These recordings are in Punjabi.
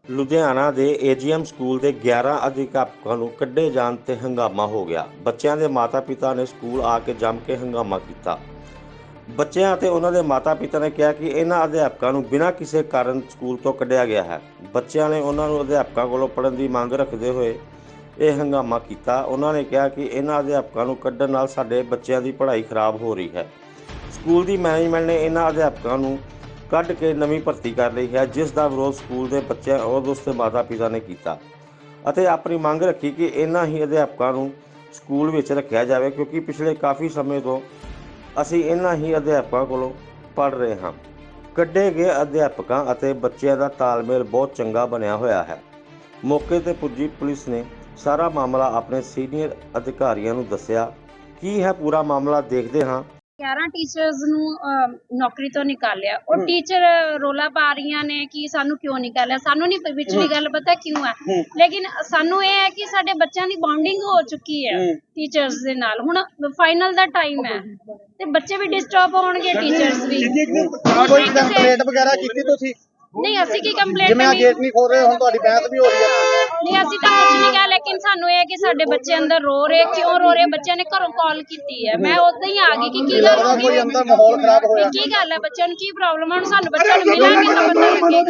ਲੁਧਿਆਣਾ ਦੇ ਏਜੀਐਮ ਸਕੂਲ ਦੇ 11 ਅਧਿਆਪਕਾਂ ਨੂੰ ਕੱਢੇ ਜਾਣ ਤੇ ਹੰਗਾਮਾ ਹੋ ਗਿਆ। ਬੱਚਿਆਂ ਦੇ ਮਾਤਾ-ਪਿਤਾ ਨੇ ਸਕੂਲ ਆ ਕੇ ਜੰਮ ਕੇ ਹੰਗਾਮਾ ਕੀਤਾ। ਬੱਚਿਆਂ ਅਤੇ ਉਹਨਾਂ ਦੇ ਮਾਤਾ-ਪਿਤਾ ਨੇ ਕਿਹਾ ਕਿ ਇਹਨਾਂ ਅਧਿਆਪਕਾਂ ਨੂੰ ਬਿਨਾਂ ਕਿਸੇ ਕਾਰਨ ਸਕੂਲ ਤੋਂ ਕੱਢਿਆ ਗਿਆ ਹੈ। ਬੱਚਿਆਂ ਨੇ ਉਹਨਾਂ ਨੂੰ ਅਧਿਆਪਕਾਂ ਕੋਲੋਂ ਪੜ੍ਹਨ ਦੀ ਮੰਗ ਰੱਖਦੇ ਹੋਏ ਇਹ ਹੰਗਾਮਾ ਕੀਤਾ। ਉਹਨਾਂ ਨੇ ਕਿਹਾ ਕਿ ਇਹਨਾਂ ਅਧਿਆਪਕਾਂ ਨੂੰ ਕੱਢਣ ਨਾਲ ਸਾਡੇ ਬੱਚਿਆਂ ਦੀ ਪੜ੍ਹਾਈ ਖਰਾਬ ਹੋ ਰਹੀ ਹੈ। ਸਕੂਲ ਦੀ ਮੈਨੇਜਮੈਂਟ ਨੇ ਇਹਨਾਂ ਅਧਿਆਪਕਾਂ ਨੂੰ ਕੱਢ ਕੇ ਨਵੀਂ ਭਰਤੀ ਕਰ ਲਈ ਹੈ, ਜਿਸ ਦਾ ਵਿਰੋਧ ਸਕੂਲ ਦੇ ਬੱਚਿਆਂ ਔਰ ਉਸ ਦੇ ਮਾਤਾ-ਪਿਤਾ ਨੇ ਕੀਤਾ ਅਤੇ ਆਪਣੀ ਮੰਗ ਰੱਖੀ ਕਿ ਇਹਨਾਂ ਹੀ ਅਧਿਆਪਕਾਂ ਨੂੰ ਸਕੂਲ ਵਿੱਚ ਰੱਖਿਆ ਜਾਵੇ, ਕਿਉਂਕਿ ਪਿਛਲੇ ਕਾਫੀ ਸਮੇਂ ਤੋਂ ਅਸੀਂ ਇਹਨਾਂ ਹੀ ਅਧਿਆਪਕਾਂ ਕੋਲੋਂ ਪੜ੍ਹ ਰਹੇ ਹਾਂ। ਕੱਢੇ ਗਏ ਅਧਿਆਪਕਾਂ ਅਤੇ ਬੱਚਿਆਂ ਦਾ ਤਾਲਮੇਲ ਬਹੁਤ ਚੰਗਾ ਬਣਿਆ ਹੋਇਆ ਹੈ। ਮੌਕੇ ਤੇ ਪੁੱਜੀ ਪੁਲਿਸ ਨੇ ਸਾਰਾ ਮਾਮਲਾ ਆਪਣੇ ਸੀਨੀਅਰ ਅਧਿਕਾਰੀਆਂ ਨੂੰ ਦੱਸਿਆ। ਕੀ ਹੈ ਪੂਰਾ ਮਾਮਲਾ, ਦੇਖਦੇ ਹਾਂ। 11 ਟੀਚਰਸ ਨੂੰ ਨੌਕਰੀ ਤੋਂ ਨਿਕਾਲਿਆ ਔਰ ਟੀਚਰ ਰੋਲਾ ਪਾ ਰਹੀਆਂ ਨੇ ਕਿ ਸਾਨੂੰ ਕਿਉਂ ਨਿਕਾਲਿਆ। ਸਾਨੂੰ ਨਹੀਂ ਵਿਚਲੀ ਗੱਲ ਪਤਾ ਕਿਉਂ ਹੈ, ਲੇਕਿਨ ਸਾਨੂੰ ਇਹ ਹੈ ਕਿ ਸਾਡੇ ਬੱਚਿਆਂ ਦੀ ਬੌਂਡਿੰਗ ਹੋ ਚੁੱਕੀ ਹੈ ਟੀਚਰਸ ਦੇ ਨਾਲ। ਹੁਣ ਫਾਈਨਲ ਦਾ ਟਾਈਮ ਹੈ ਤੇ ਬੱਚੇ ਵੀ ਡਿਸਟਰਬ ਹੋਣਗੇ, ਟੀਚਰਸ ਵੀ। ਕੋਈ ਕੰਪਲੇਂਟ ਵਗੈਰਾ ਕੀਤੀ ਤੁਸੀਂ? ਨਹੀਂ, ਅਸੀਂ ਕੀ ਕੰਪਲੇਂਟ ਜਿਵੇਂ ਗੇਟ ਨਹੀਂ ਖੋਲ ਰਹੇ, ਹੁਣ ਤੁਹਾਡੀ ਬਹਿਸ ਵੀ ਹੋ ਰਹੀ ਹੈ। ਨਹੀਂ, ਅਸੀਂ ਤਾਂ ਕੁਝ ਨਹੀਂ ਕਿਹਾ, ਲੇਕਿਨ ਸਾਨੂੰ ਇਹ ਹੈ ਕਿ ਸਾਡੇ ਬੱਚੇ ਅੰਦਰ ਰੋ ਰਹੇ, ਕਿਉਂ ਰੋ ਰਹੇ। ਬੱਚਿਆਂ ਨੇ ਘਰੋਂ ਕਾਲ ਕੀਤੀ ਹੈ, ਮੈਂ ਉਦਾਂ ਹੀ ਆ ਗਈ ਕਿ ਕੀ ਗੱਲ ਹੋ ਗਈ, ਕੋਈ ਅੰਦਰ ਮਾਹੌਲ ਖਰਾਬ ਹੋਇਆ, ਕੀ ਗੱਲ ਹੈ, ਬੱਚਿਆਂ ਨੂੰ ਕੀ ਪ੍ਰੋਬਲਮ ਹੈ। ਹੁਣ ਸਾਨੂੰ ਬੱਚਿਆਂ ਨੂੰ ਮਿਲਾਂਗੇ ਤਾਂ ਪਤਾ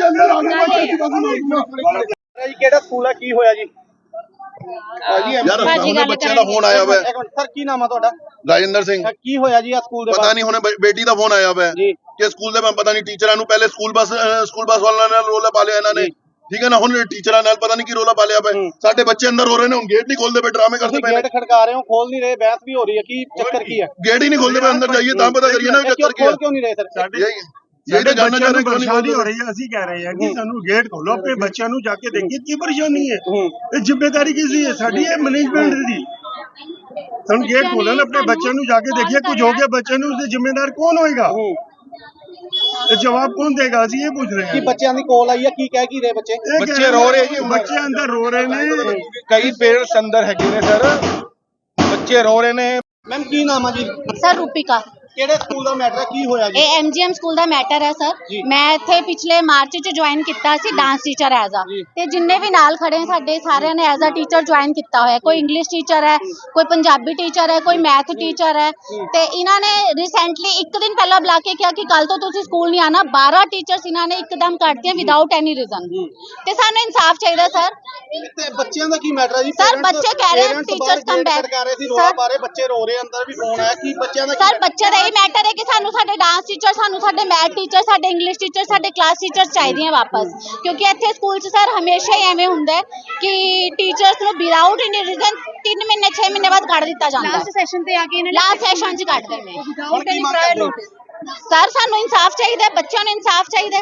ਲੱਗੇਗਾ। ਜੀ ਕਿਹੜਾ ਸਕੂਲ ਹੈ, ਕੀ ਹੋਇਆ ਜੀ? ਯਾਰ ਹੁਣੇ ਬੱਚਿਆਂ ਦਾ ਫੋਨ ਆਇਆ ਹੋਇਆ। ਸਰ ਕੀ ਨਾਮ ਹੈ ਤੁਹਾਡਾ? ਰਾਜਿੰਦਰ ਸਿੰਘ। ਕੀ ਹੋਇਆ ਜੀ ਆ ਸਕੂਲ ਦੇ ਪਤਾ ਨਹੀਂ, ਹੁਣੇ ਬੇਟੀ ਦਾ ਫੋਨ ਆਇਆ ਹੋਇਆ ਕਿ ਸਕੂਲ ਦੇ ਪਤਾ ਨਹੀਂ ਟੀਚਰਾਂ ਨੂੰ ਪਹਿਲੇ ਸਕੂਲ ਬੱਸ ਵਾਲਿਆਂ ਨਾਲ ਰੋਲਾ ਪਾ ਲਿਆ ਇਹਨਾਂ ਨੇ, ਠੀਕ ਹੈ ਨਾ। ਹੁਣ ਟੀਚਰਾਂ ਨਾਲ ਪਤਾ ਨਹੀਂ ਕੀ ਰੋਲਾ ਪਾ ਲਿਆ ਪਿਆ। ਸਾਡੇ ਬੱਚੇ ਅੰਦਰ ਹੋ ਰਹੇ ਨੇ, ਹੁਣ ਗੇਟ ਨਹੀਂ ਖੋਲਦੇ ਪਏ, ਡਰਾਮੇ ਕਰਦੇ ਪਏ। ਗੇਟ ਖੜਕਾ ਰਹੇ ਹੋ, ਖੋਲ ਨਹੀਂ ਰਹੇ, ਬਹਿਸ ਵੀ ਹੋ ਰਹੀ ਹੈ, ਕੀ ਚੱਕਰ ਕੀ ਹੈ? ਗੇਟ ਹੀ ਨਹੀਂ ਖੋਲਦੇ ਪਏ, ਅੰਦਰ ਜਾਈਏ ਤਾਂ ਪਤਾ ਕਰੀਏ ਨਾ ਚੱਕਰ ਕੀ ਹੈ। ਕਿਉਂ ਨਹੀਂ ਰਹੇ ਸਰ? यही तो जानना चाह रहे हैं, परेशानी हो रही है। असं कह रहे हैं कि सानू गेट खोलो, अपने बच्चों को जाके देखिए की परेशानी है। ये जिम्मेदारी किसी है, साडी है मैनेजमेंट दी। सानू गेट खोलन, अपने बच्चों को जाके देखिए, कुछ हो गया बच्चों को, उससे जिम्मेदार कौन होएगा? जवाब कौन देगा? असं ये पूछ रहे हैं। बच्चों की कॉल आई है, की कह की रहे बच्चे? बच्चे रो रहे जी, बच्चे अंदर रो रहे ने, कई पेरेंट्स अंदर है सर, बच्चे रो रहे ने। मैम की नाम है जी? सर रूपिका। ਕਿਹੜੇ ਸਕੂਲ ਦਾ ਮੈਟਰ ਹੈ, ਕੀ ਹੋਇਆ ਜੀ? ਇਹ ਐਮਜੀਐਮ ਸਕੂਲ ਦਾ ਮੈਟਰ ਹੈ ਸਰ। ਮੈਂ ਇੱਥੇ ਪਿਛਲੇ ਮਾਰਚ ਚ ਜੁਆਇਨ ਕੀਤਾ ਸੀ ਡਾਂਸ ਟੀਚਰ ਐਜ਼ ਆ, ਤੇ ਜਿੰਨੇ ਵੀ ਨਾਲ ਖੜੇ ਸਾਡੇ ਸਾਰਿਆਂ ਨੇ ਐਜ਼ ਆ ਟੀਚਰ ਜੁਆਇਨ ਕੀਤਾ ਹੋਇਆ। ਕੋਈ ਇੰਗਲਿਸ਼ ਟੀਚਰ ਹੈ, ਕੋਈ ਪੰਜਾਬੀ ਟੀਚਰ ਹੈ, ਕੋਈ ਮੈਥ ਟੀਚਰ ਹੈ। ਤੇ ਇਹਨਾਂ ਨੇ ਰੀਸੈਂਟਲੀ ਇੱਕ ਦਿਨ ਪਹਿਲਾਂ ਬੁਲਾ ਕੇ ਕਿਹਾ ਕਿ ਕੱਲ ਤੋਂ ਤੁਸੀਂ ਸਕੂਲ ਨਹੀਂ ਆਣਾ। 12 ਟੀਚਰਸ ਇਹਨਾਂ ਨੇ ਇੱਕਦਮ ਕੱਢਤੀਆਂ ਵਿਦਆਊਟ ਐਨੀ ਰੀਜ਼ਨ। ਤੇ ਸਾਨੂੰ ਇਨਸਾਫ ਚਾਹੀਦਾ ਸਰ। ਤੇ ਬੱਚਿਆਂ ਦਾ ਕੀ ਮੈਟਰ ਹੈ ਜੀ? ਸਰ ਬੱਚੇ ਕਹਿ ਰਹੇ ਟੀਚਰਸ ਕਮ ਬੈਕ ਕਰ ਰਹੇ ਸੀ, ਰੋਲਾ ਪਾ ਰਹੇ, ਬੱਚੇ ਰੋ ਰਹੇ, ਅੰਦਰ ਵੀ ਫੋਨ ਆਇਆ, ਕੀ ਬੱਚਿਆਂ ਦਾ? ਸਰ ਬੱਚੇ ਦਾ ਇਹ ਮੈਟਰ ਹੈ ਕਿ ਸਾਨੂੰ ਸਾਡੇ ਡਾਂਸ ਟੀਚਰ, ਸਾਨੂੰ ਸਾਡੇ ਮੈਥ ਟੀਚਰ, ਸਾਡੇ ਇੰਗਲਿਸ਼ ਟੀਚਰ, ਸਾਡੇ ਕਲਾਸ ਟੀਚਰਸ ਚਾਹੀਦੀਆਂ ਵਾਪਸ। ਕਿਉਂਕਿ ਇੱਥੇ ਸਕੂਲ 'ਚ ਸਰ ਹਮੇਸ਼ਾ ਹੀ ਐਵੇਂ ਹੁੰਦਾ ਕਿ ਟੀਚਰਸ ਨੂੰ ਵਿਦਆਊਟ ਐਨੀ ਰੀਜ਼ਨ 3 ਮਹੀਨੇ 6 ਮਹੀਨੇ ਬਾਅਦ ਕੱਢ ਦਿੱਤਾ ਜਾਂਦਾ। ਲਾਸਟ ਸੈਸ਼ਨ ਤੇ ਆ ਕੇ ਇਹਨਾਂ ਨੇ ਲਾਸਟ ਸੈਸ਼ਨ 'ਚ ਕੱਢਦੇ ਨੇ without any prior notice. Sir ਸਾਨੂੰ ਇਨਸਾਫ ਚਾਹੀਦਾ, ਬੱਚਿਆਂ ਨੂੰ ਇਨਸਾਫ ਚਾਹੀਦਾ।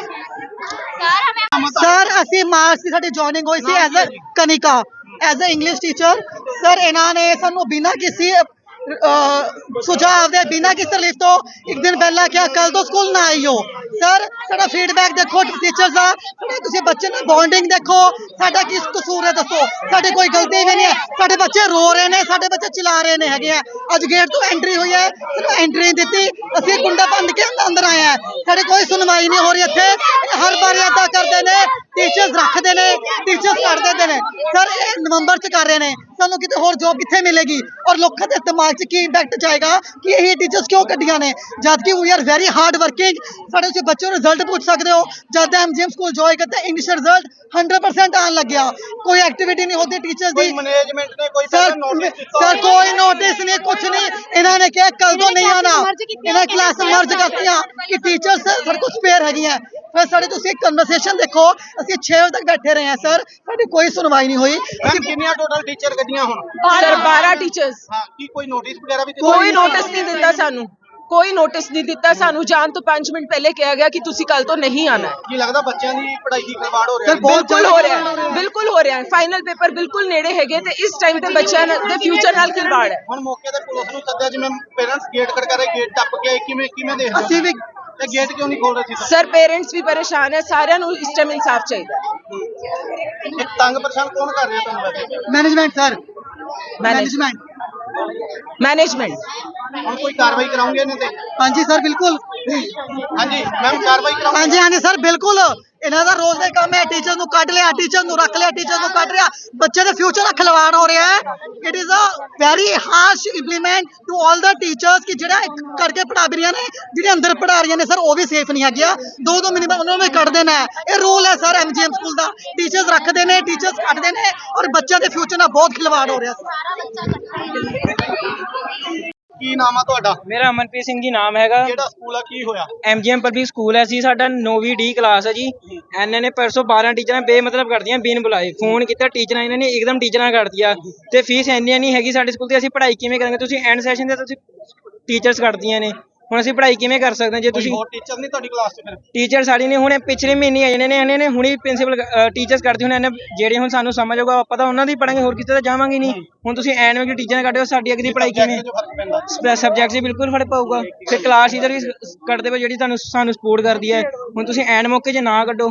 ਸਰ ਅਸੀਂ ਮਾਰਚ ਦੀ ਸਾਡੀ ਜੁਆਇਨਿੰਗ ਹੋਈ ਸੀ as a Kanika, as a English teacher. Sir ਇਹਨਾਂ ਨੇ ਸਾਨੂੰ ਬਿਨਾਂ ਕਿਸੇ ਸੁਝਾਅ ਦੇ, ਬਿਨਾਂ ਕਿਸੇ ਲਿਖ ਤੋਂ ਇੱਕ ਦਿਨ ਪਹਿਲਾਂ ਕਿਹਾ ਕੱਲ ਤੋਂ ਸਕੂਲ ਨਾ ਆਈਓ। ਸਰ ਸਾਡਾ ਫੀਡਬੈਕ ਦੇਖੋ ਟੀਚਰਸ ਦਾ, ਤੁਸੀਂ ਬੱਚੇ ਨਾਲ ਬੌਂਡਿੰਗ ਦੇਖੋ, ਸਾਡਾ ਕੀ ਕਸੂਰ ਹੈ ਦੱਸੋ? ਸਾਡੇ ਕੋਈ ਗਲਤੀ ਵੀ ਨਹੀਂ ਹੈ, ਸਾਡੇ ਬੱਚੇ ਰੋ ਰਹੇ ਨੇ, ਸਾਡੇ ਬੱਚੇ ਚਿਲਾ ਰਹੇ ਨੇ ਹੈਗੇ ਆ। ਅੱਜ ਗੇਟ ਤੋਂ ਐਂਟਰੀ ਹੋਈ ਹੈ, ਸਿਰਫ ਐਂਟਰੀ ਦਿੱਤੀ, ਅਸੀਂ ਕੁੰਡਾ ਬੰਦ ਕੇ ਅੰਦਰ ਆਏ ਆ। ਸਾਡੇ ਕੋਈ ਸੁਣਵਾਈ ਨਹੀਂ ਹੋ ਰਹੀ ਇੱਥੇ। ਹਰ ਵਾਰ ਏਦਾਂ ਕਰਦੇ ਨੇ, ਟੀਚਰਸ ਰੱਖਦੇ ਨੇ, ਟੀਚਰਸ ਕੱਢ ਦਿੰਦੇ ਨੇ। ਸਰ ਇਹ ਨਵੰਬਰ 'ਚ ਕਰ ਰਹੇ ਨੇ, ਸਾਨੂੰ ਕਿਤੇ ਹੋਰ ਜੋਬ ਕਿੱਥੇ ਮਿਲੇਗੀ? ਔਰ ਲੋਕਾਂ ਦੇ ਦਿਮਾਗ 'ਚ ਕੀ ਇੰਪੈਕਟ ਜਾਏਗਾ ਕਿ ਇਹ ਟੀਚਰਸ ਕਿਉਂ ਕੱਢੀਆਂ ਨੇ, ਜਦ ਕਿ we are very hard working. ਸਾਡੇ ਤੁਸੀਂ ਬੱਚਿਆਂ ਨੂੰ ਰਿਜ਼ਲਟ ਪੁੱਛ ਸਕਦੇ ਹੋ। ਜਦ ਐਮਜੀਐਮ ਸਕੂਲ ਜੁਆਇਨ ਕਰਤੇ ਇੰਗਲਿਸ਼ ਰਿਜ਼ਲਟ 100% ਆਉਣ ਲੱਗਿਆ। ਕੋਈ ਐਕਟੀਵਿਟੀ ਨਹੀਂ ਹੋती टीचर्स दी। मैनेजमेंट ने कोई सर कोई नोटिस नहीं, कुछ नहीं। इन्होंने क्या कल तो नहीं आना, इन्हें क्लास मर्ज करतियां कि टीचर्स सर कुछ स्पेयर है। फिर साढ़े तुसी कन्वर्सेशन देखो, ਅਸੀਂ 6 ਵਜੇ ਤੱਕ ਬੈਠੇ ਰਹੇ ਹਾਂ ਸਰ, ਸਾਡੀ ਕੋਈ ਸੁਣਵਾਈ ਨਹੀਂ ਹੋਈ। ਅਸੀਂ ਕਿੰਨੀਆਂ ਟੋਟਲ ਟੀਚਰ ਗੱਡੀਆਂ ਹੁਣ? Sir 12 teachers. ਹਾਂ, ਕੀ ਕੋਈ ਨੋਟਿਸ ਵਗੈਰਾ ਵੀ? ਕੋਈ ਨੋਟਿਸ ਨਹੀਂ ਦਿੱਤਾ ਸਾਨੂੰ, ਕੋਈ ਨੋਟਿਸ ਨਹੀਂ ਦਿੱਤਾ ਸਾਨੂੰ। ਜਾਣ ਤੋਂ 5 ਮਿੰਟ ਪਹਿਲੇ ਕਿਹਾ ਗਿਆ ਕਿ ਤੁਸੀਂ ਕੱਲ ਤੋਂ ਨਹੀਂ ਆਣਾ ਹੈ। ਕੀ ਲੱਗਦਾ ਬੱਚਿਆਂ ਦੀ ਪੜ੍ਹਾਈ ਦੀ ਖਿਲਵਾੜ ਹੋ ਰਿਹਾ ਹੈ? ਬਿਲਕੁਲ ਹੋ ਰਿਹਾ ਹੈ, ਬਿਲਕੁਲ ਹੋ ਰਿਹਾ ਹੈ। ਫਾਈਨਲ ਪੇਪਰ ਬਿਲਕੁਲ ਨੇੜੇ ਹੈਗੇ ਤੇ ਇਸ ਟਾਈਮ ਤੇ ਬੱਚਿਆਂ ਦੇ ਫਿਊਚਰ ਨਾਲ ਖਿਲਵਾੜ ਹੈ। ਹੁਣ ਮੌਕੇ ਤੇ ਪੁਲਿਸ ਨੂੰ ਸੱਦਿਆ, ਜਿਵੇਂ ਪੇਰੈਂਟਸ ਗੇਟ ਖੜਕਾ ਰਹੇ, ਗੇਟ ਟੱਪ ਕੇ ਕਿਵੇਂ ਦੇਖ ਅਸੀਂ ਵੀ ਤੇ ਗੇਟ ਕਿਉਂ ਨਹੀਂ ਖੋਲ ਰਹੇ ਸੀ? ਸਰ ਪੇਰੈਂਟਸ ਵੀ ਪਰੇਸ਼ਾਨ ਹੈ, ਸਾਰਿਆਂ ਨੂੰ ਇਸ ਟਾਈਮ ਇਨਸਾਫ ਚਾਹੀਦਾ ਹੈ। ਇਹ ਤੰਗ ਪਰੇਸ਼ਾਨ ਕੌਣ ਕਰ ਰਿਹਾ ਤੁਹਾਨੂੰ ਵੈਸੇ? Management sir, management. ਹੁਣ ਕੋਈ ਕਾਰਵਾਈ ਕਰਾਉਂਗੇ ਇਹਨਾਂ ਤੇ? हाँ जी सर बिल्कुल। हाँ जी मैम, कार्रवाई कराओ। हाँ जी सर बिल्कुल। ਇਹਨਾਂ ਦਾ ਰੋਜ਼ ਦਾ ਕੰਮ ਹੈ ਟੀਚਰ ਨੂੰ ਕੱਢ ਲਿਆ, ਟੀਚਰ ਨੂੰ ਰੱਖ ਲਿਆ, ਟੀਚਰ ਨੂੰ ਕੱਢ ਲਿਆ, ਬੱਚੇ ਦੇ ਫਿਊਚਰ ਦਾ ਖਿਲਵਾੜ ਹੋ ਰਿਹਾ ਹੈ। It is a very harsh implement to all the teachers ਕਿ ਜਿਹੜਾ ਕਰਕੇ ਪੜ੍ਹਾ ਰਹੀਆਂ ਨੇ, ਜਿਹੜੇ ਅੰਦਰ ਪੜ੍ਹਾ ਰਹੀਆਂ ਨੇ ਸਰ ਉਹ ਵੀ ਸੇਫ ਨਹੀਂ ਹੈਗੀਆਂ। 2-2 ਮਿੰਟ ਉਹਨਾਂ ਨੂੰ ਕੱਢ ਦੇਣਾ ਹੈ, ਇਹ ਰੂਲ ਹੈ ਸਰ ਐਮਜੀਐਮ ਸਕੂਲ ਦਾ। ਟੀਚਰਸ ਰੱਖਦੇ ਨੇ, ਟੀਚਰਸ ਕੱਢਦੇ ਨੇ ਔਰ ਬੱਚਿਆਂ ਦੇ ਫਿਊਚਰ ਨਾਲ ਬਹੁਤ ਖਿਲਵਾੜ ਹੋ ਰਿਹਾ ਕੀ ਨਾਮ ਆ ਤੁਹਾਡਾ? ਮੇਰਾ ਅਮਨਪ੍ਰੀਤ ਸਿੰਘ ਜੀ ਨਾਮ ਹੈਗਾ। ਕਿਹੜਾ ਸਕੂਲ ਆ, ਕੀ ਹੋਇਆ? ਐਮਜੀਐਮ ਪਬਲਿਕ ਸਕੂਲ ਹੈ ਜੀ, ਸਾਡਾ 9ਵੀਂ ਡੀ ਕਲਾਸ ਹੈ ਜੀ। ਇਹਨਾਂ ਨੇ ਪਰਸੋਂ 12 ਟੀਚਰਾਂ ਬੇਮਤਲਬ ਕਰਦੀਆਂ ਬਿਨ ਬੁਲਾਏ। ਫੋਨ ਕੀਤਾ ਟੀਚਰਾਂ, ਇਹਨਾਂ ਨੇ ਇੱਕਦਮ ਟੀਚਰਾਂ ਕੱਢਦੀਆਂ ਤੇ ਫੀਸ ਇੰਨੀ ਨਹੀਂ ਹੈਗੀ ਸਾਡੇ ਸਕੂਲ ਤੇ। ਅਸੀਂ ਪੜ੍ਹਾਈ ਕਿਵੇਂ ਕਰਾਂਗੇ? ਤੁਸੀਂ ਐਂਡ ਸੈਸ਼ਨ ਤੇ ਤੁਸੀਂ ਟੀਚਰਸ ਕੱਢਦੀਆਂ ਨੇ, ਹੁਣ ਅਸੀਂ ਪੜ੍ਹਾਈ ਕਿਵੇਂ ਕਰ ਸਕਦੇ ਹਾਂ ਜੇ ਤੁਸੀਂ? ਹੋਰ ਟੀਚਰ ਨਹੀਂ ਤੁਹਾਡੀ ਕਲਾਸ 'ਚ ਫਿਰ? ਟੀਚਰ ਸਾਡੀ ਨੇ ਹੁਣੇ ਪਿਛਲੇ ਮਹੀਨੇ ਆਏ ਨੇ, ਇਹਨਾਂ ਨੇ ਹੁਣੀ ਪ੍ਰਿੰਸੀਪਲ ਟੀਚਰਸ ਕਰਦੀ ਹੁਣ ਇਹਨੇ ਜਿਹੜੇ ਹੁਣ ਸਾਨੂੰ ਸਮਝ ਆਊਗਾ ਆਪਾਂ ਤਾਂ ਉਹਨਾਂ ਦੀ ਪੜਾਂਗੇ, ਹੋਰ ਕਿਸੇ ਤਾਂ ਜਾਵਾਂਗੇ ਨਹੀਂ। ਹੁਣ ਤੁਸੀਂ ਐਨ ਵਿੱਚ ਟੀਚਰਾਂ ਕੱਢ ਦਿਓ, ਸਾਡੀ ਅੱਗੇ ਦੀ ਪੜਾਈ ਕਿਵੇਂ? ਸਬਜੈਕਟ 'ਚ ਬਿਲਕੁਲ ਫਰਕ ਪਊਗਾ। ਫਿਰ ਕਲਾਸ ਟੀਚਰ ਵੀ ਕੱਢਦੇ ਪਏ ਜਿਹੜੀ ਸਾਨੂੰ ਸਪੋਰਟ ਕਰਦੀ ਹੈ। ਹੁਣ ਤੁਸੀਂ ਐਨ ਮੌਕੇ 'ਚ ਨਾ ਕੱਢੋ।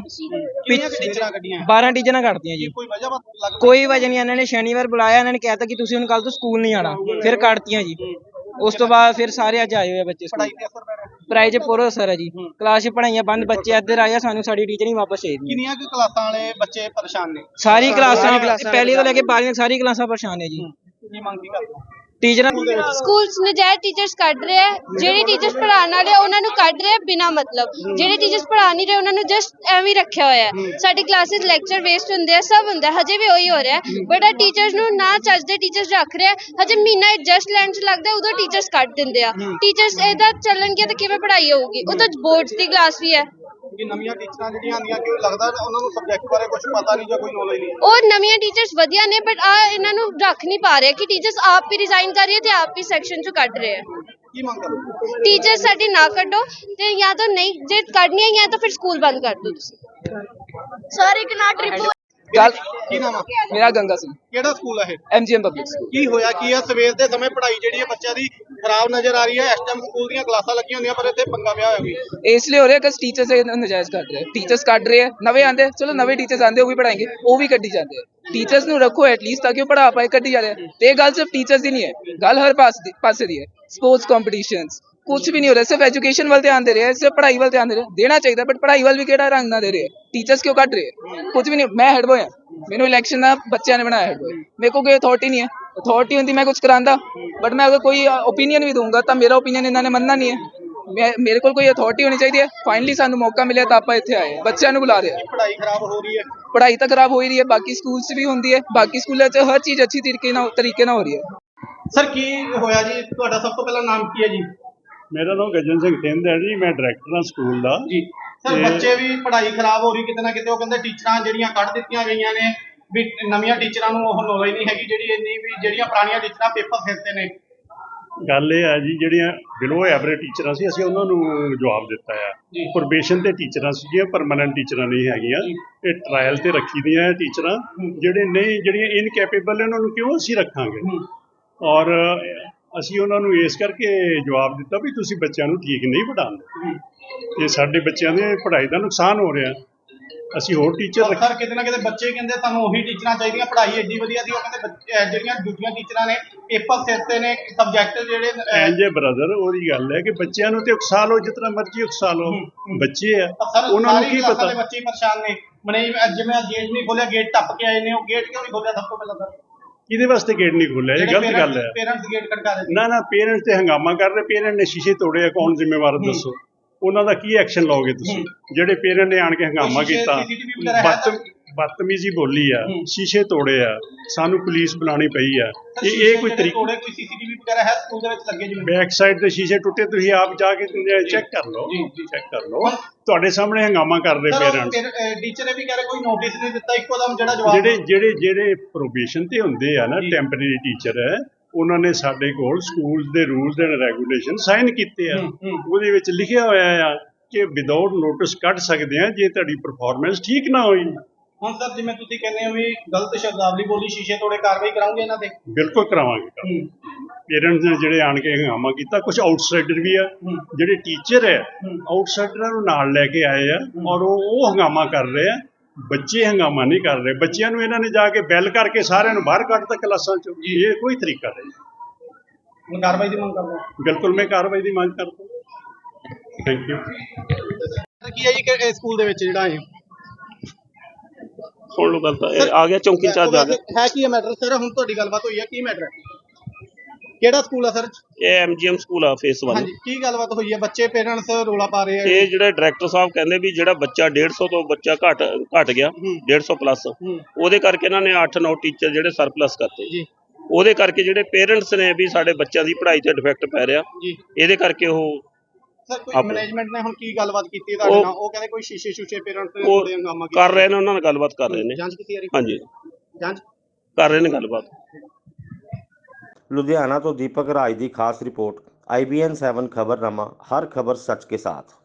12 ਟੀਚਰਾਂ ਕੱਢਦੀਆਂ ਜੀ, ਕੋਈ ਵਜ੍ਹਾ ਨਹੀਂ। ਇਹਨਾਂ ਨੇ ਸ਼ਨੀਵਾਰ ਬੁਲਾਇਆ, ਇਹਨਾਂ ਨੇ ਕਹਿਤਾ ਕਿ ਤੁਸੀਂ ਹੁਣ ਕੱਲ ਤੋਂ ਸਕੂਲ ਨਹੀਂ ਆਉਣਾ, ਫਿਰ ਕੱਢਤੀਆਂ ਜੀ। ਉਸ ਤੋਂ ਬਾਅਦ ਫਿਰ ਸਾਰੇ ਅੱਜ ਆਏ ਹੋਏ ਆ ਬੱਚੇ। ਪੜ੍ਹਾਈ 'ਚ ਪੂਰਾ ਅਸਰ ਹੈ ਜੀ, ਕਲਾਸ 'ਚ ਪੜ੍ਹਾਈਆਂ ਬੰਦ, ਬੱਚੇ ਇੱਧਰ ਆਏ ਆ, ਸਾਨੂੰ ਸਾਡੀ ਟੀਚਰ ਹੀ ਵਾਪਸ ਚਾਹੀਦੀ। ਕਿੰਨੀਆਂ ਕੁ ਕਲਾਸਾਂ ਵਾਲੇ ਬੱਚੇ ਪਰੇਸ਼ਾਨ ਨੇ? ਸਾਰੀ ਕਲਾਸਾਂ ਪਹਿਲੀ ਤੋਂ ਲੈ ਕੇ 12ਵੀਂ ਤੱਕ ਸਾਰੀ ਕਲਾਸਾਂ ਪਰੇਸ਼ਾਨ ਨੇ ਜੀ। ਕੀ ਮੰਗ ਕੀ ਕਰਦੇ ਹੋ? ਟੀਚਰਾਂ ਸਕੂਲ 'ਚ ਨਜਾਇਜ਼ ਟੀਚਰਸ ਕੱਢ ਰਹੇ ਆ। ਜਿਹੜੇ ਟੀਚਰਸ ਪੜ੍ਹਾਉਣ ਵਾਲੇ ਉਹਨਾਂ ਨੂੰ ਕੱਢ ਰਹੇ ਬਿਨਾਂ ਮਤਲਬ। ਜਿਹੜੇ ਟੀਚਰਸ ਪੜ੍ਹਾ ਨਹੀਂ ਰਹੇ ਉਹਨਾਂ ਨੂੰ ਜਸਟ ਐਵੇਂ ਰੱਖਿਆ ਹੋਇਆ ਹੈ। ਸਾਡੀ ਕਲਾਸਿਸ ਲੈਕਚਰ ਵੇਸਟ ਹੁੰਦੇ ਆ, ਸਭ ਹੁੰਦਾ, ਹਜੇ ਵੀ ਉਹੀ ਹੋ ਰਿਹਾ। ਬਟ ਇਹ ਟੀਚਰਸ ਨੂੰ ਨਾ ਚੱਜ ਦੇ ਟੀਚਰਸ ਰੱਖ ਰਹੇ ਆ। ਹਜੇ ਮਹੀਨਾ ਐਡਜਸਟ ਲੈਣ 'ਚ ਲੱਗਦਾ, ਉਦੋਂ ਟੀਚਰਸ ਕੱਢ ਦਿੰਦੇ ਆ। ਟੀਚਰਸ ਇਹਦਾ ਚੱਲਣਗੇ ਤਾਂ ਕਿਵੇਂ ਪੜ੍ਹਾਈ ਹੋਊਗੀ? ਉਹ ਤਾਂ ਬੋਰਡਸ ਦੀ ਕਲਾਸ ਵੀ ਹੈ। ਕਿ ਨਵੀਆਂ ਟੀਚਰਾਂ ਜਿਹੜੀਆਂ ਆਉਂਦੀਆਂ, ਕਿ ਲੱਗਦਾ ਉਹਨਾਂ ਨੂੰ ਸਬਜੈਕਟ ਬਾਰੇ ਕੁਝ ਪਤਾ ਨਹੀਂ ਜਾਂ ਕੋਈ ਨੌਲੇਜ ਨਹੀਂ? ਉਹ ਨਵੀਆਂ ਟੀਚਰਸ ਵਧੀਆ ਨੇ ਬਟ ਇਹਨਾਂ ਨੂੰ ਰੱਖ ਨਹੀਂ ਪਾ ਰਹੇ ਕਿ ਟੀਚਰਸ ਆਪ ਹੀ ਰਿਜ਼ਾਈਨ ਕਰ ਰਹੀ ਹੈ ਤੇ ਆਪ ਹੀ ਸੈਕਸ਼ਨ 'ਚੋਂ ਕੱਢ ਰਹੇ ਆ। ਕੀ ਮੰਗ ਕਰੋ? ਟੀਚਰ ਸਾਡੀ ਨਾ ਕੱਢੋ ਤੇ ਜਾਂ ਤਾਂ ਨਹੀਂ, ਜੇ ਕੱਢਣੀ ਹੈ ਜਾਂ ਤਾਂ ਫਿਰ ਸਕੂਲ ਬੰਦ ਕਰ ਦਿਓ ਤੁਸੀਂ। ਸਰ ਇੱਕ ਨਾ ਟ੍ਰਿਪ ਕੀ ਨਾਮ ਆ? ਮੇਰਾ ਗੰਗਾ ਸਿੰਘ। ਕਿਹੜਾ ਸਕੂਲ ਹੈ ਇਹ? MGM public school. ਕੀ ਹੋਇਆ ਕੀ ਆ? ਸਵੇਰ ਦੇ ਸਮੇਂ ਪੜ੍ਹਾਈ ਜਿਹੜੀ ਹੈ ਬੱਚਿਆਂ ਦੀ ਖਰਾਬ ਨਜ਼ਰ ਆ ਰਹੀ ਹੈ। ਇਸ ਟਾਈਮ ਸਕੂਲ ਦੀਆਂ ਕਲਾਸਾਂ ਲੱਗੀਆਂ ਹੁੰਦੀਆਂ ਪਰ ਇੱਥੇ ਪੰਗਾ ਪਿਆ ਹੋਇਆ ਵੀ। ਇਸ ਲਈ ਹੋ ਰਿਹਾ ਕਿ ਟੀਚਰਸ ਨਜਾਇਜ਼ ਕੱਢ ਰਹੇ, ਟੀਚਰਸ ਕੱਢ ਰਹੇ ਆ। ਨਵੇਂ ਆਂਦੇ, ਚਲੋ ਨਵੇਂ ਟੀਚਰਸ ਆਂਦੇ ਉਹ ਵੀ ਪੜਾएंगे, ਉਹ ਵੀ ਕੱਢੀ ਜਾਂਦੇ ਆ। ਟੀਚਰਸ ਨੂੰ ਰੱਖੋ ਐਟਲੀਸਟ ਤਾਂ ਕਿ ਉਹ ਪੜਾ ਪਾਏ, ਕੱਢੀ ਜਾ ਰਹੇ। ਤੇ ਇਹ ਗੱਲ ਸਿਰਫ ਟੀਚਰਸ ਦੀ ਨਹੀਂ ਹੈ, ਗੱਲ ਹਰ ਪਾਸੇ ਦੀ ਹੈ। ਸਪੋਰਟਸ ਕੰਪੀਟੀਸ਼ਨਸ ਕੁਝ ਵੀ ਨਹੀਂ ਹੋ ਰਿਹਾ, ਸਿਰਫ ਐਜੂਕੇਸ਼ਨ ਵੱਲ ਧਿਆਨ ਦੇ ਰਹੇ, ਸਿਰਫ ਪੜ੍ਹਾਈ ਵੱਲ ਧਿਆਨ ਦੇ ਰਹੇ। ਦੇਣਾ ਚਾਹੀਦਾ ਬਟ ਪੜ੍ਹਾਈ ਵੱਲ ਵੀ ਕਿਹੜਾ ਰੰਗ ਨਾ ਦੇ ਰਹੇ। ਟੀਚਰਸ ਕਿਉਂ ਕੱਢ ਰਹੇ? ਕੁਝ ਵੀ ਨਹੀਂ। ਮੈਂ ਹੈਡ ਬॉय ਹਾਂ, ਮੈਨੂੰ ਇਲੈਕਸ਼ਨ ਦਾ ਬੱਚਿਆਂ ਨੇ ਬਣਾਇਆ ਹੈਡ ਬॉय। ਮੇਰੇ ਕੋਲ ਕੋਈ ਅਥਾਰਟੀ ਨਹੀਂ ਹੈ। ਅਥਾਰਟੀ ਹੁੰਦੀ ਮੈਂ ਕੁਝ ਕਰਾਂਦਾ, ਬਟ ਮੈਂ ਅਗਰ ਕੋਈ ਓਪੀਨੀਅਨ ਵੀ ਦਊਂਗਾ ਤਾਂ ਮੇਰਾ ਓਪੀਨੀਅਨ ਇਹਨਾਂ ਨੇ ਮੰਨਣਾ ਨਹੀਂ ਹੈ। ਮੇਰੇ ਕੋਲ ਕੋਈ ਅਥਾਰਟੀ ਹੋਣੀ ਚਾਹੀਦੀ ਹੈ। ਫਾਈਨਲੀ ਸਾਨੂੰ ਮੌਕਾ ਮਿਲਿਆ ਤਾਂ ਆਪਾਂ ਇੱਥੇ ਆਏ, ਬੱਚਿਆਂ ਨੂੰ ਬੁਲਾ ਰਹੇ ਆ। ਪੜ੍ਹਾਈ ਖਰਾਬ ਹੋ ਰਹੀ ਹੈ। ਪੜ੍ਹਾਈ ਤਾਂ ਖਰਾਬ ਹੋ ਹੀ ਰਹੀ ਹੈ, ਬਾਕੀ ਸਕੂਲ 'ਚ ਵੀ ਹੁੰਦੀ ਹੈ। ਬਾਕੀ ਸਕੂਲਾਂ 'ਚ ਹਰ ਚੀਜ਼ ਅੱਛੀ ਤਰੀਕੇ ਨਾਲ ਹੋ ਰਹੀ ਹੈ। ਸਰ ਕੀ ਹੋਇਆ ਜੀ? ਤੁਹਾਡਾ ਸਭ ਤੋਂ ਪਹਿਲਾਂ ਨਾਮ ਕੀ ਹੈ ਜੀ? ਮੇਰਾ ਨਾਮ ਗਜਨ ਸਿੰਘ ਥਿੰਦ ਹੈ ਜੀ, ਮੈਂ ਡਾਇਰੈਕਟਰ ਹਾਂ ਸਕੂਲ ਦਾ ਜੀ। ਸਰ ਬੱਚੇ ਵੀ ਪੜ੍ਹਾਈ ਖਰਾਬ ਹੋ ਰਹੀ ਕਿਤੇ ਨਾ ਕਿਤੇ। ਉਹ ਕਹਿੰਦੇ ਟੀਚਰਾਂ ਜਿਹੜੀਆਂ ਕੱਢ ਦਿੱਤੀਆਂ ਗਈਆਂ ਨੇ ਵੀ ਨਵੀਆਂ ਟੀਚਰਾਂ ਨੂੰ ਉਹ ਨੌਲੇਜ ਨਹੀਂ ਹੈਗੀ ਜਿਹੜੀ ਇੰਨੀ ਵੀ ਜਿਹੜੀਆਂ ਪੁਰਾਣੀਆਂ ਟੀਚਰਾਂ ਪੇਪਰ ਸਿਰਤੇ ਨੇ। ਗੱਲ ਇਹ ਹੈ ਜੀ, ਜਿਹੜੀਆਂ ਬਿਲੋ ਐਵਰੇਜ ਟੀਚਰਾਂ ਸੀ ਅਸੀਂ ਉਹਨਾਂ ਨੂੰ ਜਵਾਬ ਦਿੱਤਾ ਆ। ਪ੍ਰੋਬੇਸ਼ਨ ਤੇ ਟੀਚਰਾਂ ਸੀਗੀਆਂ, ਪਰਮਾਨੈਂਟ ਟੀਚਰਾਂ ਨਹੀਂ ਹੈਗੀਆਂ। ਇਹ ਟਰਾਇਲ ਤੇ ਰੱਖੀ ਦੀਆਂ ਟੀਚਰਾਂ। ਜਿਹੜੀਆਂ ਇਨਕੈਪੇਬਲ ਉਹਨਾਂ ਨੂੰ ਕਿਉਂ ਅਸੀਂ ਰੱਖਾਂਗੇ? ਔਰ ਅਸੀਂ ਉਹਨਾਂ ਨੂੰ ਇਸ ਕਰਕੇ ਜਵਾਬ ਦਿੱਤਾ ਵੀ ਤੁਸੀਂ ਬੱਚਿਆਂ ਨੂੰ ਠੀਕ ਨਹੀਂ ਪੜ੍ਹਾਉਂਦੇ, ਤੇ ਸਾਡੇ ਬੱਚਿਆਂ ਦੇ ਪੜ੍ਹਾਈ ਦਾ ਨੁਕਸਾਨ ਹੋ ਰਿਹਾ। ਅਸੀਂ ਹੋਰ ਟੀਚਰ ਸਰ ਕਿਤੇ ਨਾ ਕਿਤੇ ਬੱਚੇ ਕਹਿੰਦੇ ਤੁਹਾਨੂੰ ਉਹੀ ਟੀਚਰਾਂ ਚਾਹੀਦੀਆਂ, ਪੜ੍ਹਾਈ ਐਡੀ ਵਧੀਆ ਸੀ। ਉਹ ਕਹਿੰਦੇ ਜਿਹੜੀਆਂ ਦੂਜੀਆਂ ਟੀਚਰਾਂ ਨੇ ਪੇਪਰ ਸਿਰਤੇ ਨੇ, ਸਬਜੈਕਟ ਜਿਹੜੇ ਐਂਜੇ ਬ੍ਰਦਰ, ਉਹਦੀ ਗੱਲ ਹੈ ਕਿ ਬੱਚਿਆਂ ਨੂੰ ਤੇ ਉਕਸਾ ਲਓ ਜਿਸ ਤਰ੍ਹਾਂ ਮਰਜ਼ੀ ਉਕਸਾ ਲਓ। ਬੱਚੇ ਆ, ਉਹਨਾਂ ਨੂੰ ਕੀ ਪਤਾ। ਬੱਚੇ ਪਰੇਸ਼ਾਨ ਨੇ। ਮਨੇ ਜਿਵੇਂ ਗੇਟ ਨਹੀਂ ਖੋਲਿਆ, ਗੇਟ ਟੱਪ ਕੇ ਆਏ ਨੇ। ਉਹ ਗੇਟ ਕਿਉਂ ਨਹੀਂ ਖੋਲਿਆ ਸਭ ਤੋਂ ਪਹਿਲਾਂ? ਸਰ ਕਿਹਦੇ ਵਾਸਤੇ ਗੇਟ ਨਹੀਂ ਖੋਲਿਆ? ਇਹ ਗਲਤ ਗੱਲ ਹੈ। ਪੇਰੈਂਟਸ ਗੇਟ ਖੜਕਾ ਰਹੇ। ਨਾ ਪੇਰੈਂਟਸ ਤੇ ਹੰਗਾਮਾ ਕਰ ਰਹੇ। ਪੇਰੈਂਟ ਨੇ ਸ਼ੀਸ਼ੇ ਤੋੜੇ ਆ, ਕੌਣ ਜ਼ਿੰਮੇਵਾਰ ਦੱਸੋ? ਉਹਨਾਂ ਦਾ ਕੀ ਐਕਸ਼ਨ ਲਓਗੇ ਤੁਸੀਂ? ਜਿਹੜੇ ਪੇਰੈਂਟ ਨੇ ਆਣ ਕੇ ਹੰਗਾਮਾ ਕੀਤਾ, ਬਦਤਮੀਜ਼ੀ ਬੋਲੀ ਆ, ਸ਼ੀਸ਼ੇ ਤੋੜੇ ਆ, ਸਾਨੂੰ ਪੁਲਿਸ ਬੁਲਾਉਣੀ ਪਈ ਆ। ਇਹ ਕੋਈ ਤਰੀਕਾ? ਕੋਈ ਸੀਸੀਟੀਵੀ ਵਗੈਰਾ ਹੈ ਸਕੂਲ ਦੇ ਵਿੱਚ ਲੱਗੇ? ਜਿਵੇਂ ਬੈਕ ਸਾਈਡ ਦੇ ਸ਼ੀਸ਼ੇ ਟੁੱਟੇ, ਤੁਸੀਂ ਆਪ ਜਾ ਕੇ ਚੈੱਕ ਕਰ ਲਓ। ਚੈੱਕ ਕਰ ਲਓ। ਤੁਹਾਡੇ ਸਾਹਮਣੇ ਹੰਗਾਮਾ ਕਰਦੇ ਪੇਰੈਂਟਸ। ਟੀਚਰ ਨੇ ਵੀ ਕਹਿ ਰਹੇ ਕੋਈ ਨੋਟਿਸ ਨਹੀਂ ਦਿੱਤਾ, ਇੱਕੋ ਦਮ ਜਿਹੜਾ ਜਵਾਬ। ਜਿਹੜੇ ਪ੍ਰੋਬੇਸ਼ਨ ਤੇ ਹੁੰਦੇ ਆ ਨਾ, ਟੈਂਪਰੇਰੀ ਟੀਚਰ ਹੈ, ਉਹਨਾਂ ਨੇ ਸਾਡੇ ਕੋਲ ਸਕੂਲ ਦੇ ਰੂਲਸ ਐਂਡ ਰੈਗੂਲੇਸ਼ਨ ਸਾਈਨ ਕੀਤੇ ਆ। ਉਹਦੇ ਵਿੱਚ ਲਿਖਿਆ ਹੋਇਆ ਆ ਕਿ ਵਿਦਆਊਟ ਨੋਟਿਸ ਕੱਢ ਸਕਦੇ ਆ ਜੇ ਤੁਹਾਡੀ ਪਰਫਾਰਮੈਂਸ ਠੀਕ ਨਾ ਹੋਈ। ਹੁਣ ਸਰ ਜਿਵੇਂ ਤੁਸੀਂ ਕਹਿੰਦੇ ਹੋ ਵੀ ਗਲਤ ਸ਼ਬਦਾਵਲੀ ਬੋਲੀ, ਸ਼ੀਸ਼ੇ ਤੋੜੇ, ਕਾਰਵਾਈ ਕਰਾਉਂਗੇ ਇਹਨਾਂ ਤੇ? ਬਿਲਕੁਲ ਕਰਾਵਾਂਗੇ। ਪੇਰੈਂਟਸ ਨੇ ਜਿਹੜੇ ਆਣ ਕੇ ਹੰਗਾਮਾ ਕੀਤਾ, ਕੁਝ ਆਊਟਸਾਈਡਰ ਵੀ ਆ। ਜਿਹੜੇ ਟੀਚਰ ਹੈ ਆਊਟਸਾਈਡਰਾਂ ਨੂੰ ਨਾਲ ਲੈ ਕੇ ਆਏ ਆ ਔਰ ਉਹ ਹੰਗਾਮਾ ਕਰ ਰਹੇ ਆ। ਬੱਚੇ ਹੰਗਾਮਾ ਨਹੀਂ ਕਰ ਰਹੇ। ਬੱਚਿਆਂ ਨੂੰ ਇਹਨਾਂ ਨੇ ਜਾ ਕੇ ਬੈਲ ਕਰਕੇ ਸਾਰਿਆਂ ਨੂੰ ਬਾਹਰ ਕੱਢਤਾ ਕਲਾਸਾਂ ਚੋਂ। ਇਹ ਕੋਈ ਤਰੀਕਾ ਨਹੀਂ। ਕਾਰਵਾਈ ਦੀ ਮੰਗ ਕਰਦੇ? ਬਿਲਕੁਲ ਮੈਂ ਕਾਰਵਾਈ ਦੀ ਮੰਗ ਕਰਦਾ। Thank you. ਕੀ ਹੈ ਜੀ ਸਕੂਲ ਦੇ ਵਿੱਚ ਜਿਹੜਾ ਹੈ ਸੁਣ ਲਓ ਗੱਲ ਤਾਂ ਇਹ ਆ ਗਿਆ ਚੌਂਕੀ ਇੰਚਾਰਜ ਆ ਗਿਆ। ਹੈ ਕੀ ਹੈ ਮੈਟਰ ਸਰ? ਹੁਣ ਤੁਹਾਡੀ ਗੱਲਬਾਤ ਹੋਈ ਹੈ, ਕੀ ਮੈਟਰ ਹੈ? ਕਿਹੜਾ ਸਕੂਲ ਆ ਸਰ? ਇਹ ਐਮਜੀਐਮ ਸਕੂਲ ਆ ਫੇਸ 1। ਹਾਂਜੀ, ਕੀ ਗੱਲਬਾਤ ਹੋਈ ਹੈ? ਬੱਚੇ ਪੇਰੈਂਟਸ ਰੋਲਾ ਪਾ ਰਹੇ ਆ। ਇਹ ਜਿਹੜੇ ਡਾਇਰੈਕਟਰ ਸਾਹਿਬ ਕਹਿੰਦੇ ਵੀ ਜਿਹੜਾ ਬੱਚਾ 150 ਤੋਂ ਬੱਚਾ ਘਟ ਗਿਆ 150 ਪਲੱਸ, ਉਹਦੇ ਕਰਕੇ ਇਹਨਾਂ ਨੇ 8-9 ਟੀਚਰ ਜਿਹੜੇ ਸਰਪਲਸ ਕਰਤੇ ਜੀ। ਉਹਦੇ ਕਰਕੇ ਜਿਹੜੇ ਪੇਰੈਂਟਸ ਨੇ ਵੀ ਸਾਡੇ ਬੱਚਿਆਂ ਦੀ ਪੜ੍ਹਾਈ ਤੇ ਡਿਫੈਕਟ ਪੈ ਰਿਹਾ ਜੀ। ਇਹਦੇ ਕਰਕੇ ਉਹ ਸਰ ਕੋਈ ਮੈਨੇਜਮੈਂਟ ਨੇ ਹੁਣ ਕੀ ਗੱਲਬਾਤ ਕੀਤੀ ਤੁਹਾਡੇ ਨਾਲ? ਉਹ ਕਹਿੰਦੇ ਕੋਈ ਸ਼ੀਸ਼ੇ ਪੇਰੈਂਟਸ ਨੇ ਉਹ ਥੋੜੇ ਹੰਗਾਮਾ ਕੀਤਾ। ਕਰ ਰਹੇ ਨੇ, ਉਹਨਾਂ ਨਾਲ ਗੱਲਬਾਤ ਕਰ ਰਹੇ ਨੇ। ਜਾਂਚ ਕੀਤੀ ਜਾ ਰਹੀ? ਹਾਂਜੀ, ਜਾਂਚ ਕਰ ਰਹੇ ਨੇ ਗੱਲਬਾਤ। लुधियाना तो दीपक राज की खास रिपोर्ट IBN 7 खबरनामा, हर खबर सच के साथ।